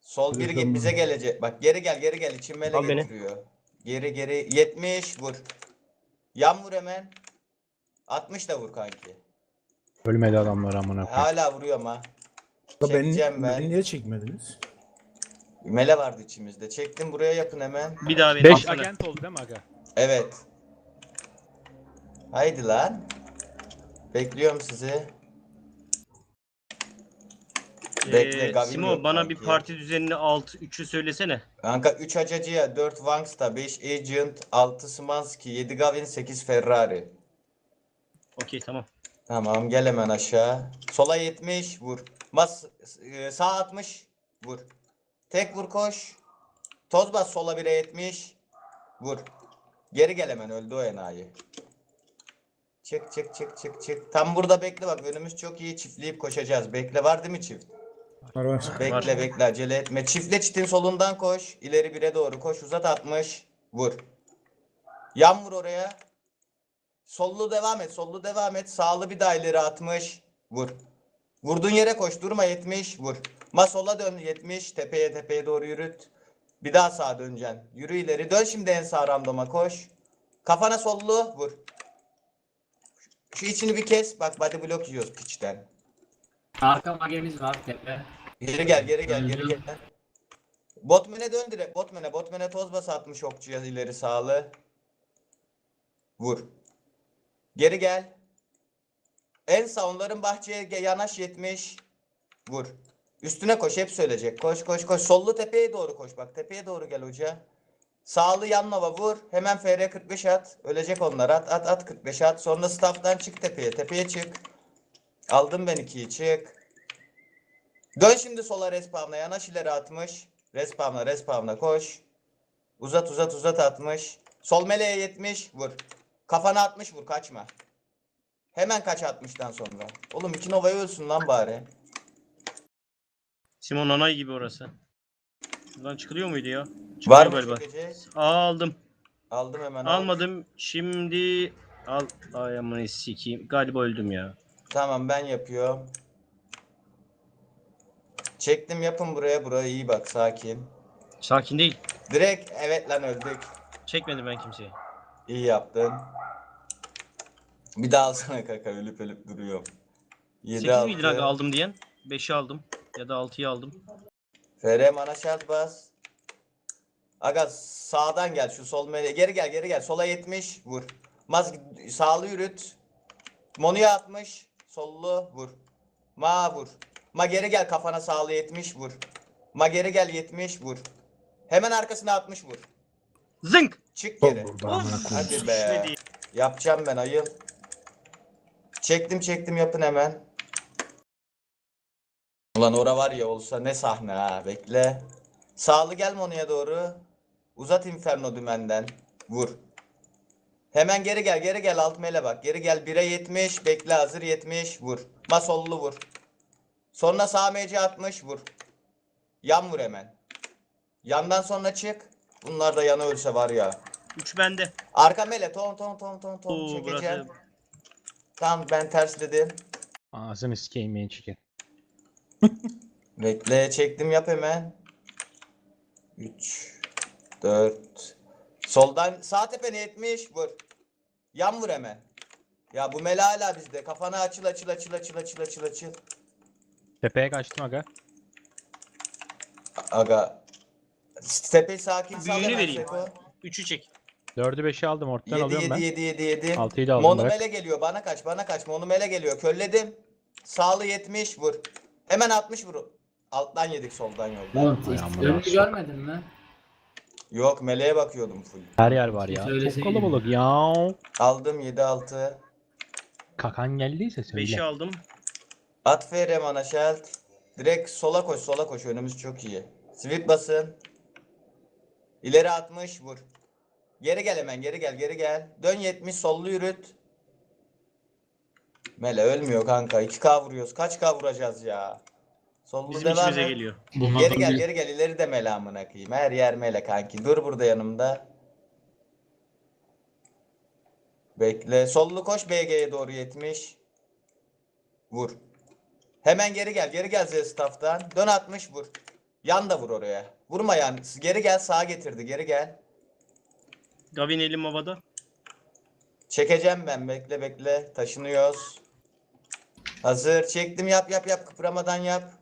Sol bir git bize gelecek. Bak geri gel geri gel. İçin mele Al beni. getiriyor. Geri geri 70 vur. Yan vur hemen. 60 da vur kanki. Ölmedi adamlar amına koyayım. Hala vuruyorum ha. Beni Çekeceğim ben. niye çekmediniz? Mele vardı içimizde. Çektim buraya yapın hemen. Bir daha beni 5 alsana. agent oldu değil mi aga? Evet. Haydi lan. Bekliyorum sizi. Bekle, Gavin Simo yok bana bir kanki. parti düzenini 6-3'ü söylesene. Kanka 3 Acacı'ya, 4 Wangsta, 5 Agent, 6 Szymanski, 7 Gavin, 8 Ferrari. Okey tamam. Tamam gel hemen aşağı. Sola 70 vur. Sağ 60 vur. Tek vur koş. Toz bas sola 1'e 70 vur. Geri gel hemen öldü o enayi. Çık çık çık çık çık. Tam burada bekle bak önümüz çok iyi çiftleyip koşacağız. Bekle var değil mi çift? Var. Bekle bekle acele etme. Çiftle çitin solundan koş. İleri 1'e doğru koş. Uzat 60 vur. Yan vur oraya. Sollu devam et. Sollu devam et. Sağlı bir daha ileri 60 vur. Vurduğun yere koş. Durma 70 vur. Sola dön 70. Tepeye doğru yürüt. Bir daha sağa döneceksin. Yürü ileri. Dön şimdi en sağ randoma koş. Kafana sollu vur. Şu içini bir kes. Bak body block yiyoruz piçten. Arka magemiz var tepe. Geri gel geri gel geri gel. Botman'e dön direkt. Botman'e toz bas 60 okçuya ileri sağlı. Vur. Geri gel. En sağ onların bahçeye yanaş 70. Vur. Üstüne koş hep söyleyecek. Koş koş koş. Sollu tepeye doğru koş. Bak tepeye doğru gel hoca. Sağlı yanlava vur. Hemen FR 45 at. Ölecek onlar. At 45 at. Sonra staff'tan çık tepeye. Tepeye çık. Aldım ben 2'yi çık. Dön şimdi sola respawn'a. Yanaş ileri 60. Respawn'a koş. Uzat 60. Sol meleğe 70 vur. Kafana 60 vur kaçma. Hemen kaç 60'tan sonra. Oğlum 2 Nova'ya ölsün lan bari. Simo nanay gibi orası. Buradan çıkılıyor muydu ya? Var Çıkıyor mı galiba. çekecek? Aldım. Aldım hemen. Almadım. Şimdi al. Ay aman sikeyim. Galiba öldüm ya. Tamam ben yapıyorum. Çektim yapın buraya iyi bak sakin. Sakin değil. Direkt evet lan öldük. Çekmedim ben kimseyi. İyi yaptın. Bir daha alsana kaka ölüp duruyorum. 7 8 miydin aga 6. aldım diyen? 5'i aldım. Ya da 6'yı aldım. FR mana şart bas. Aga sağdan gel şu sol mele. Geri gel. Sola 70 vur. Sağlı yürüt. Monuya 60. Sollu vur. Vur. Geri gel kafana sağlı 70 vur. Geri gel 70 vur. Hemen arkasına 60 vur. Zınk! Çık geri. Burada amına koyayım. Hadi be. Düşmedi. Yapacağım ben ayıl. Çektim yapın hemen. Ulan ora var ya olsa ne sahne ha bekle. Sağlı gel Monu'ya doğru. Uzat Inferno dümenden. Vur. Hemen geri gel alt mele bak. Geri gel 1'e 70 bekle hazır 70 vur. Sollu vur. Sonra sağ MC 60 vur. Yan vur hemen. Yandan sonra çık. Bunlar da yana ölse var ya. 3 bende. Arka mele ton Oo, çekeceğim. burası. Tamam ben tersledim. Ağzını sikeyim ben çıkın. Bekle çektim yap hemen. 3 4 soldan sağ tepene 70 vur. Yan vur hemen. Ya bu mele hala bizde. Kafana açıl. Tepeye kaçtım aga. Aga. Tepe sakin sal Büyüğünü hemen vereyim. Seko. 3'ü çek. 4'ü 5'i aldım ortadan alıyorum ben. 7. 6'yı da aldım Monu bırak. mele geliyor. Bana kaç. Monu mele geliyor. Kölledim. Sağlı 70 vur. Hemen 60 vur. Alttan yedik soldan yoldan. Oğlum Ay amına önünü koyayım. görmedin mi? Yok meleğe bakıyordum full. Her yer var ya. Çok Söyleseydim. kalabalık ya. Aldım 7-6. Kakan geldiyse 5'i söyle. aldım. At FR mana şelt. Direkt sola koş. Önümüz çok iyi. Sweep basın. İleri 60 vur. Geri gel hemen geri gel. Dön 70 sollu yürüt. Mele ölmüyor kanka. 2K vuruyoruz. Kaç K vuracağız ya? Sollu Bizim devam içimize et. geliyor. Geri gel. İleri de mele amına koyayım. Her yer mele kanki. Dur burada yanımda. Bekle. Sollu koş BG'ye doğru 70. Vur. Hemen geri gel. Z staff'tan. Dön 60 vur. Yan da vur oraya. Vurma yan. Geri gel, sağa getirdi. Geri gel. Gavin elim havada. Çekeceğim ben. Bekle bekle. Taşınıyoruz. Hazır. Çektim. Yap yap yap. Kıpıramadan yap.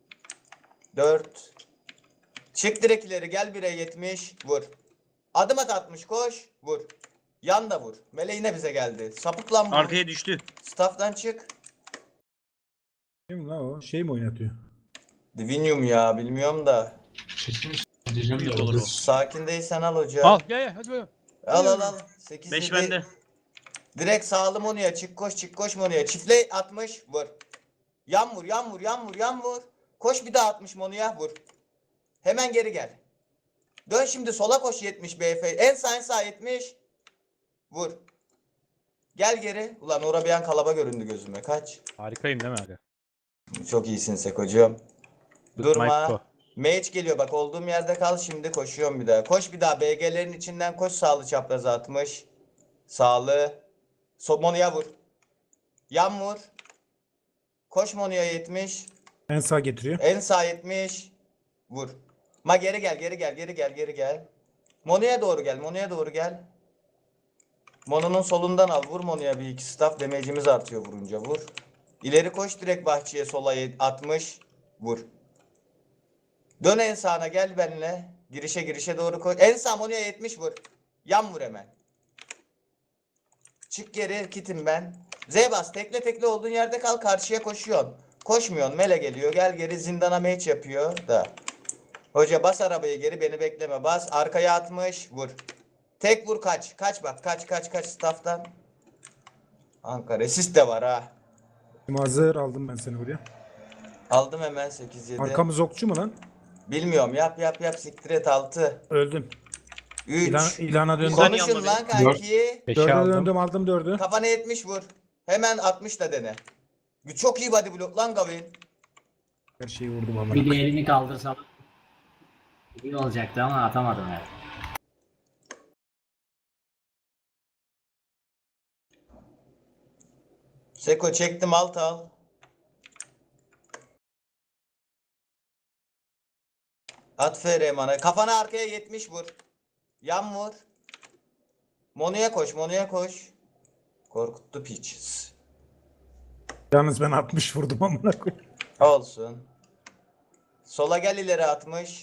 4. Çık direkt ileri. Gel 1'e 70. Vur. Adım at 60. Koş. Vur. Yan da vur. Mele yine bize geldi. Sapık lan bu. Arkaya düştü. Staff'tan çık. Kim la o? Şey mi oynatıyor? Divinium ya. Bilmiyorum da. Büyük olur o. Sakin değilsen al hoca. Al gel gel hadi bakalım. Al al al. 8 5 bende. Direkt sağlı Monu'ya çık koş Monu'ya. Çiftle 60 vur. Yan vur yan vur yan vur yan vur. Koş bir daha 60 Monu'ya vur. Hemen geri gel. Dön şimdi sola koş 70 BF. En sağ 70. Vur. Gel geri. Ulan orada bir an kalaba göründü gözüme. Kaç. Harikayım değil mi aga? Çok iyisin Sekocuğum. Good Durma. night, go. Mage geliyor bak, olduğum yerde kal, şimdi koşuyorum bir daha. Koş bir daha BG'lerin içinden koş, sağlı çapraz 60. Sağlı. Monu'ya vur. Yan vur. Koş Monu'ya 70. En sağ getiriyor. En sağ 70. Vur. Ma geri gel geri gel. Monu'ya doğru gel. Monu'nun solundan al. Vur Monu'ya bir iki staff. Damage'imiz artıyor vurunca. Vur. İleri koş direkt bahçeye sola 60. Vur. Dön en sağına gel benimle. Girişe doğru koş. En sağ Monu'ya 70 vur. Yan vur hemen. Çık geri, kitim ben. Z bas, tekle olduğun yerde kal, karşıya koşuyorsun. Koşmuyorsun, Mele geliyor, gel geri, zindana mage yapıyor da. Hoca bas arabayı geri, beni bekleme, bas. Arkaya 60 vur. Tek vur, kaç bak, kaç staff'tan. Ankara resist de var ha. Hazır aldım ben seni buraya. Aldım hemen 8-7. Arkamız okçu mu lan? Bilmiyorum, yap siktir et 6. Öldüm. 3. İlana döndüm. Saniye Konuşun alma lan kanki. 5'e 4'e aldım. döndüm aldım 4'ü. Kafana 70 vur. Hemen 60 da dene. Çok iyi body block lan Gavin. Her şeyi vurdum ama. Bir de elini kaldırsam iyi olacaktı ama atamadım ya. Seko çektim, alt al. At FR mana. Kafana arkaya 70 vur. Yan vur. Monu'ya koş. Korkuttu piç. Yalnız ben 60 vurdum amına koyayım. Olsun. Sola gel ileri 60.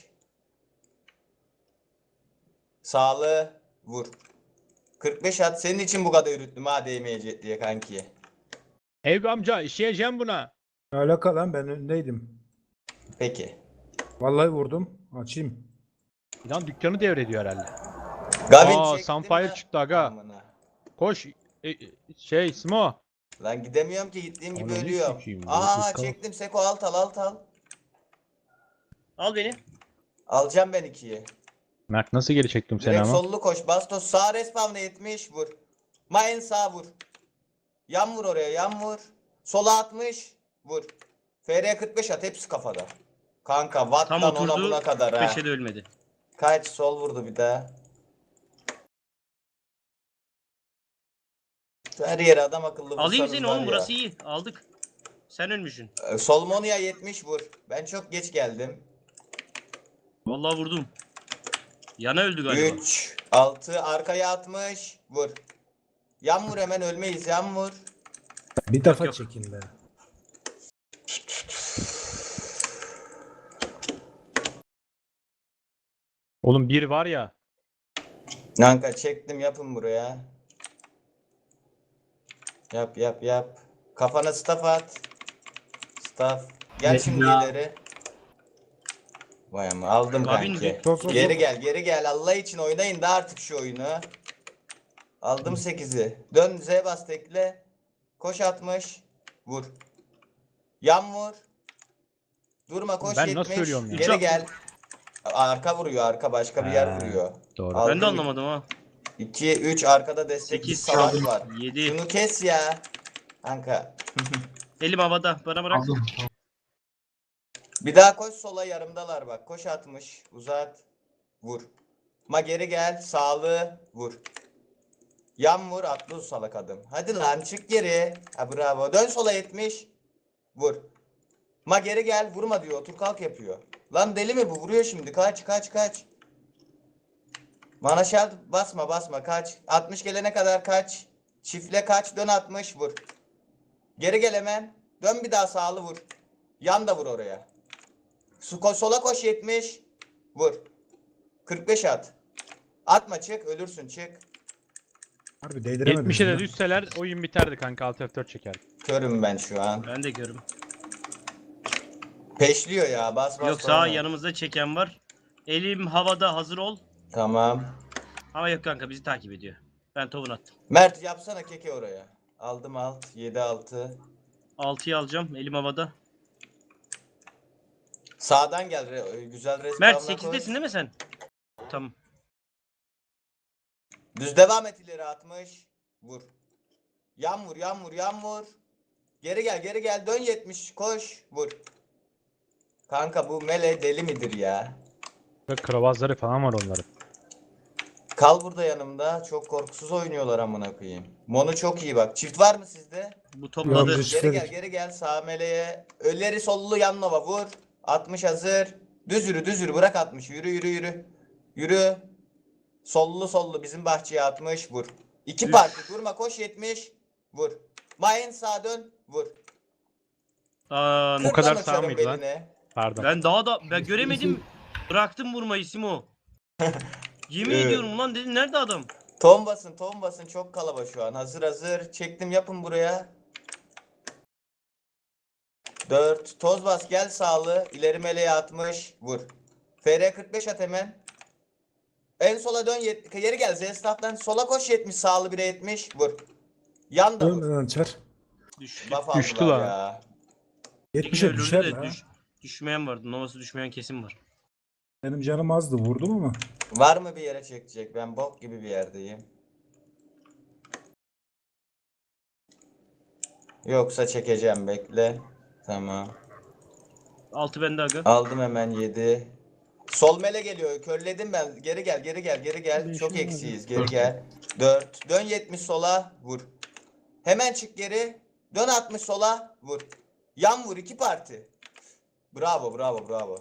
Sağlı vur. 45 at. Senin için bu kadar yürüttüm ha, değmeyecek diye kanki. Eyüp amca işleyeceğim buna. Ne alaka lan, ben önündeydim. Peki. Vallahi vurdum. Açayım. Lan dükkanı devrediyor herhalde. Gavin Aa, çektim Sunfire ya. çıktı aga. Amına. Koş. Smo. Lan gidemiyorum ki, gittiğim gibi Ananı ölüyorum. sikeyim, Aha ıskalım. çektim Seko, alt al. Al beni. Alacağım ben 2'yi. Mert nasıl geri çektim seni Direkt ama? sollu koş. Bastos sağ respawn'a 70 vur. Main sağ vur. Yan vur oraya, yan vur. Sola 60 vur. FR 45 at, hepsi kafada. Kanka Tam Watt'tan ona oturdu. buna kadar ha. 5'e de ölmedi. Kaç sol vurdu bir daha. Her yere adam akıllı Alayım vursanız seni var oğlum, ya. burası iyi. Aldık. Sen ölmüşsün. Sol Monu'ya 70 vur. Ben çok geç geldim. Vallahi vurdum. Yana öldü galiba. 3 6 arkaya 60 vur. Yan vur, hemen ölmeyiz, yan vur. Bir defa yok. çekin be. Oğlum bir var ya. Kanka çektim, yapın buraya. Yap. Kafana staff at. Staff. Gel Evet, şimdi ya. ileri. Vay ama aldım Gavin kanki. bir- Sol, sol, Geri sol. gel. Allah için oynayın da artık şu oyunu. Aldım 8'i. Dön Z bas tekle. Koş 60. Vur. Yan vur. Durma, koş Ben 70. nasıl ölüyorum ya? Geri gel. Arka vuruyor, arka başka bir yer vuruyor. Doğru. Al. Ben de anlamadım ha. 2 3 arkada destekli 8 savaş var. 7. Şunu kes ya. Kanka. Elim havada. Bana bırak. Bir daha koş sola, yarımdalar bak. Koş 60. Uzat. Vur. Ma geri gel. Sağlı. Vur. Yan vur. Atlı salak adım. Hadi lan çık geri. Ha bravo. Dön sola 70. Vur. Ma geri gel, vurma diyor. Otur kalk yapıyor. Lan deli mi bu? Vuruyor şimdi. Kaç kaç kaç. Mana şart basma basma kaç. 60 gelene kadar kaç. Çiftle kaç. Dön 60 vur. Geri gel hemen. Dön bir daha sağlı vur. Yan da vur oraya. Sola koş 70. Vur. 45 at. Atma çık. Ölürsün çık. Harbi değdiremedim. 70'e de ya. düşseler oyun biterdi kanka. Alt F4 çeker. Körüm ben şu an. Ben de görüm. Peşliyor ya. Bas bas. Yok sağ sonra. yanımızda çeken var. Elim havada, hazır ol. Tamam. Ama yok kanka, bizi takip ediyor. Ben tovun attım. Mert yapsana keke oraya. Aldım alt. 7-6. 6'yı alacağım, elim havada. Sağdan gel. Güzel respawn'a Mert koy. 8'desin değil mi sen? Tamam. Düz devam et ileri 60. Vur. Yan vur yan vur yan vur. Geri gel geri gel. Dön 70. Koş. Vur. Kanka bu mele deli midir ya? Kravazları falan var onların. Kal burada yanımda. Çok korkusuz oynuyorlar amına koyayım. Monu çok iyi bak. Çift var mı sizde? Bu Yok, topladı. biz- Geri gel geri gel. Sağ meleğe. Ölleri sollu yan nova vur. 60 hazır. Düz yürü düz yürü. Bırak 60. Yürü yürü yürü. Yürü. Sollu sollu bizim bahçeye 60 vur. 2 Üf. parti durma koş 70 vur. Mayen sağa dön vur. Aa, O kadar Kırdan sağ uçarım mıydı lan? beline. Pardon. ben göremedim. Bıraktım vurmayı Simo. Yemin Evet. ediyorum lan, dedim nerede adam? Ton basın çok kalabalık şu an. Hazır hazır. Çektim yapın buraya. 4 toz bas gel sağlı. İleri meleğe 60 vur. FR 45 at hemen. En sola dön geri gel. Z-Staff'tan sola koş 70 sağlı 1'e 70 vur. Yan da vur. Ölmeden açar. Düş. Buff Düştü aldılar lan. ya. 70'e Ölürdü düşer de la. düşmeyen vardı. Novası düşmeyen kesin var. Benim canım azdı vurdum ama. Var mı bir yere çekecek? Ben bok gibi bir yerdeyim. Yoksa çekeceğim bekle. Tamam. 6 bende aga. Aldım hemen 7. Sol mele geliyor. Körledim ben. Geri gel, geri gel, geri gel. Çok eksiyiz. Geri gel. 4. Dön 70 sola. Vur. Hemen çık geri. Dön 60 sola. Vur. Yan vur 2 parti. Bravo, bravo, bravo.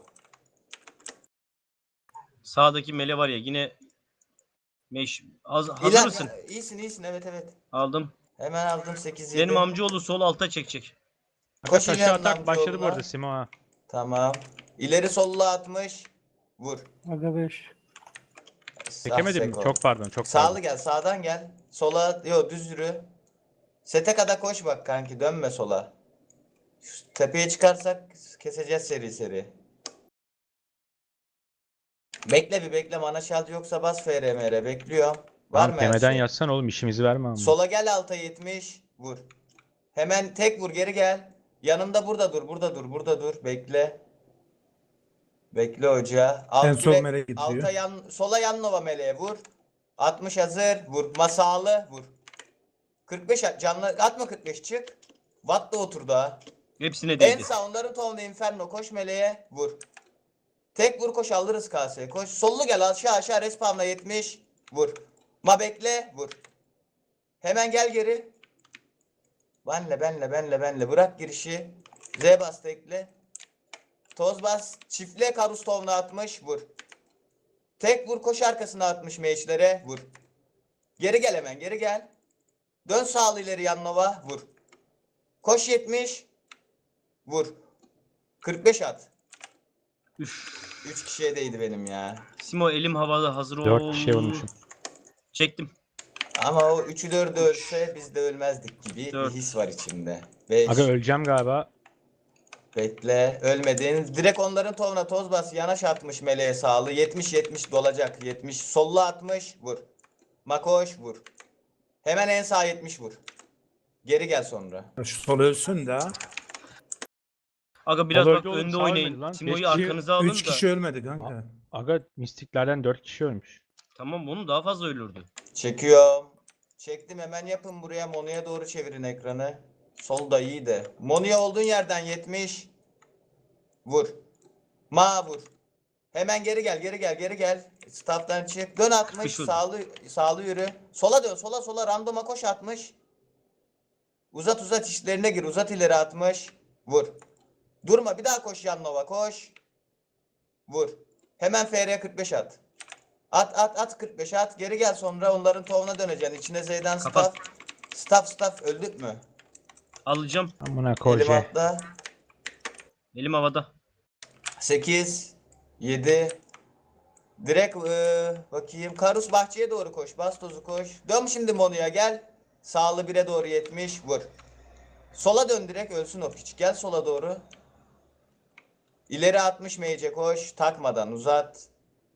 Sağdaki mele var ya yine hazır İlan, mısın? İyisin, iyisin. Evet, evet. Aldım. Hemen aldım 8 7. Benim amcaoğlu sol alta çekecek. Koş Taşı İlhan'ın atak başladı bu amcaoğluna. arada Simo ha. Tamam. İleri solla 60. Vur. Aga 5. Çekemedim mi? Seko. Çok pardon. Çok Sağlı pardon. gel, sağdan gel. Sola, yo düz yürü. Sete kadar koş bak kanki, dönme sola. Şu tepeye çıkarsak keseceğiz seri seri. Bekle bir bekle, mana şaltı yoksa bas FRMR, bekliyorum. Var mı her Temeden şey? yazsan oğlum işimizi verme ama. Sola gel alta 70, vur. Hemen tek vur, geri gel. Yanımda burada dur, burada dur, burada dur, bekle. Bekle hoca. En son direkt meleğe gidiyor. Alta sola yan nova meleğe vur. 60 hazır, vur. Masalı vur. 45 canlı atma 45 çık. Watt da oturdu ha. Hepsine En değdi. sağ onların tonlu inferno koş meleğe vur. Tek vur koş alırız kaseye koş. Sollu gel aşağı respawnla 70 vur. Ma bekle vur. Hemen gel geri. Benle bırak girişi. Z bas tekle. Toz bas çiftle karus tonla 60 vur. Tek vur koş arkasına 60 meçlere vur. Geri gel hemen geri gel. Dön sağlı ileri yanlova vur. Koş 70 vur. 45 at. Üf. 3 kişiye değdi benim ya. Simo elim havada, hazır ol. 4 kişiye vurmuşum. Çektim. Ama o 3'ü 4'ü ölse biz de ölmezdik gibi Dört. bir his var içimde. 5 Aga öleceğim galiba. bekle ölmedin. Direkt onların tovuna toz bas yanaş atmış meleğe sağlı. 70 dolacak 70 sollu 60 vur. Makoş vur. Hemen en sağ 70 vur. Geri gel sonra. Ya şu sol ölsün de ha. Aga biraz Olur, bak olur, önde sağ oynayın. ölmedi lan. Simo'yu Beş kişi- arkanıza alın 3 da. kişi ölmedi kanka. Aga mistiklerden 4 kişi ölmüş. Tamam, bunun daha fazla ölürdü. Çekiyorum. Çektim hemen yapın buraya. Monu'ya doğru çevirin ekranı. Solda iyi de. Monu'ya olduğun yerden 70. Vur. Ma vur. Hemen geri gel. Staff'tan çık. Dön 60. Kışın. Sağlı yürü. Sola dön. Sola randoma koş 60. Uzat işlerine gir. Uzat ileri 60. Vur. Durma bir daha koş Yannova koş. Vur. Hemen FR 45 at. At 45 at. Geri gel sonra onların tovuna döneceksin. İçine Z'den Kapat. staff öldük mü? Alacağım. Amına Elim koje. atla. Elim havada. 8 7 direkt bakayım. Karus bahçeye doğru koş. Bastoz'u koş. Dön şimdi Monu'ya gel. Sağlı 1'e doğru 70 vur. Sola dön direkt ölsün o piç. Gel sola doğru. İleri 60 meyce koş. Takmadan uzat.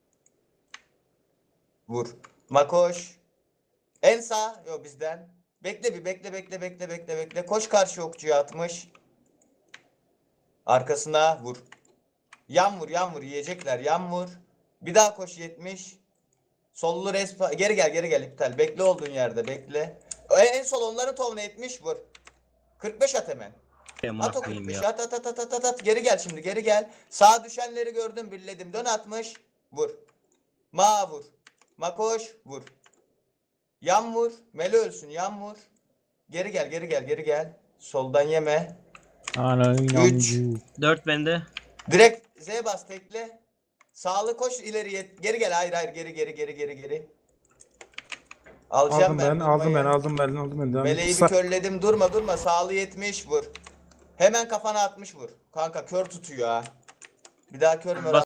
Vur. Makoş. En sağ. Yo bizden. Bekle bir bekle. Koş karşı okçuya 60. Arkasına vur. Yan vur yiyecekler. Yan vur. Bir daha koş 70. Sollu respa. Geri gel iptal. Bekle olduğun yerde bekle. En sol onların tovuna 70 vur. 45 at hemen. Amına At o koyayım 45 ya. at. Geri gel şimdi geri gel. Sağa düşenleri gördüm birledim. Dön 60. Vur. Ma vur. Makoş vur. Yan vur. Mele ölsün yan vur. Geri gel. Soldan yeme. Ana Üç. inancı. 4 bende. Direkt Z bas tekle. Sağlı koş ileriye. Geri gel. Hayır geri. Alacağım Aldım ben. durmayı. Meleği bir Kısa. körledim. Durma. Sağlı 70 vur. Hemen kafana 60 vur. Kanka kör tutuyor ha. Bir daha kör mü?